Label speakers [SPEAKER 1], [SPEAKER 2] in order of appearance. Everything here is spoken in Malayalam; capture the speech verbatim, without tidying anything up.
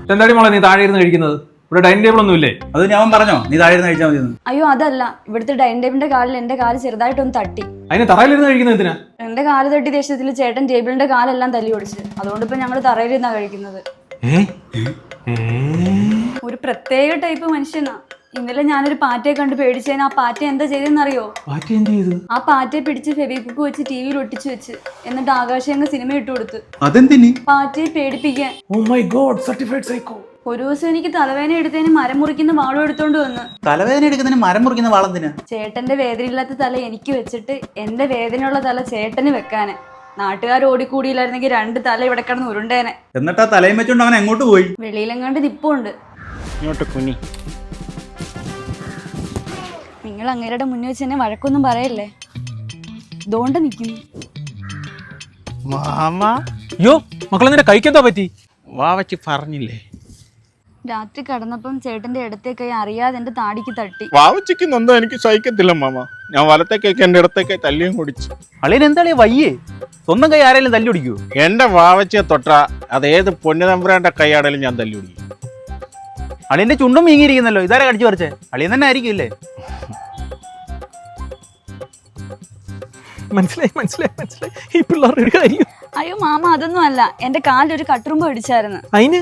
[SPEAKER 1] എന്താടി മോളെ നീ താഴെ ഇരുന്ന് കഴിക്കുന്നത്? ഇവിടെ ഡൈനിങ് ടേബിൾ ഒന്നും ഇല്ലേ?
[SPEAKER 2] അത് ഞാൻ പറഞ്ഞോ നീ താഴെ ഇരുന്ന് കഴിച്ചാൽ മതി.
[SPEAKER 3] അയ്യോ അതല്ല, ഇവിടുത്തെ ഡൈനിങ് ടേബിളിന്റെ കാലിൽ എന്റെ കാല് ചെറുതായിട്ടൊന്ന് തട്ടി.
[SPEAKER 1] അതിന് തറയിലിരുന്ന് കഴിക്കുന്നത് എന്തിനാ?
[SPEAKER 3] എന്റെ കാല് തട്ടി ദേഷ്യത്തിൽ ചേട്ടൻ ടേബിളിന്റെ കാലെല്ലാം തല്ലി ഓടിച്ച്. അതുകൊണ്ട് ഇപ്പൊ ഞങ്ങള് തറയിലിരുന്നാ കഴിക്കുന്നത്. ഒരു പ്രത്യേക ടൈപ്പ് മനുഷ്യനാ. ഇന്നലെ ഞാനൊരു പാറ്റയെ കണ്ട് പേടിച്ചതിന് ആ പാറ്റ എന്താ ചെയ്തെന്നറിയോ? ആ പാറ്റയെ പിടിച്ച് ഫെവിക്വിക്ക് വെച്ച് ടി വിയിൽ ഒട്ടിച്ചു വെച്ച് എന്നിട്ട് ആകാശങ്ങ് സിനിമ ഇട്ടു കൊടുത്ത്.
[SPEAKER 2] അതെന്തിന്?
[SPEAKER 3] പാറ്റയെ പേടിപ്പിക്കാൻ.
[SPEAKER 1] Oh my god, certified psycho.
[SPEAKER 3] ഒരു ദിവസം എനിക്ക് തലവേദന എടുത്തതിന് മരം മുറിക്കുന്ന വാളും എടുത്തോണ്ട് വന്ന്.
[SPEAKER 2] തലവേദന എടുക്കുന്നതിന് മരം മുറിക്കുന്ന വാളെന്തിനാ?
[SPEAKER 3] ചേട്ടന്റെ വേദനയില്ലാത്ത തല എനിക്ക് വെച്ചിട്ട് എന്റെ വേദനയുള്ള തല ചേട്ടന് വെക്കാന്. നാട്ടുകാർ ഓടിക്കൂടിയില്ലായിരുന്നെങ്കിൽ രണ്ട് തല ഇവിടെ കിടന്ന് ഉരുണ്ടേനെ.
[SPEAKER 2] എന്നിട്ടാ തലയും വെച്ചോണ്ട് അവൻ എങ്ങോട്ട് പോയി?
[SPEAKER 3] വെളിയിലെങ്ങാണ്ട് നിപ്പുണ്ട്.
[SPEAKER 2] ഇങ്ങോട്ട് കുനി.
[SPEAKER 3] നിങ്ങൾ അങ്ങേരുടെ മുന്നിൽ വെച്ച് എന്നെ വഴക്കൊന്നും പറയല്ലേ. ഇതുകൊണ്ട് നിക്കുന്നു.
[SPEAKER 1] അയ്യോ മക്കളെ, നിന്റെ കൈക്കെന്താ പറ്റി?
[SPEAKER 2] വാവച്ചി പറഞ്ഞില്ലേ?
[SPEAKER 3] രാത്രി കടന്നപ്പം ചേട്ടന്റെ ഇടത്തെ കൈ അറിയാതെ എന്റെ താടിക്ക് തട്ടി.
[SPEAKER 4] വാവച്ചിക്ക് നൊന്തോ എനിക്ക് സഹിക്കത്തില്ല മാമ. ഞാൻ വലത്തേക്കൊക്കെ എന്റെ ഇടത്തേക്ക് തല്ലിയും കുടിച്ചു.
[SPEAKER 2] അളിയൻ എന്താളിയ വയ്യേ? സ്വന്തം കൈ ആരെങ്കിലും തല്ലി ഒടിക്കൂ?
[SPEAKER 4] എന്റെ വാവച്ചിയെ തൊട്ടാ അത് ഏത് പൊന്നുതമ്പുരാന്റെ കൈയാടലും ഞാൻ തല്ലി ഒടിക്കും.
[SPEAKER 2] അളിയന്റെ ചുണ്ടും വീങ്ങിയിരിക്കുന്നല്ലോ, ഇതാരെ കടിച്ചു പറിച്ചേ? അളിയൻ തന്നെ ആയിരിക്കില്ലേ?
[SPEAKER 1] മനസ്സിലായി മനസ്സിലായി മനസ്സിലായി ഈ പിള്ളേരുടെ ഒരു കാര്യം.
[SPEAKER 3] അയ്യോ മാമ, അതൊന്നും അല്ല. എന്റെ കാലിൽ ഒരു കട്ടുറുമ്പ് പിടിച്ചായിരുന്നു.
[SPEAKER 1] അതിന്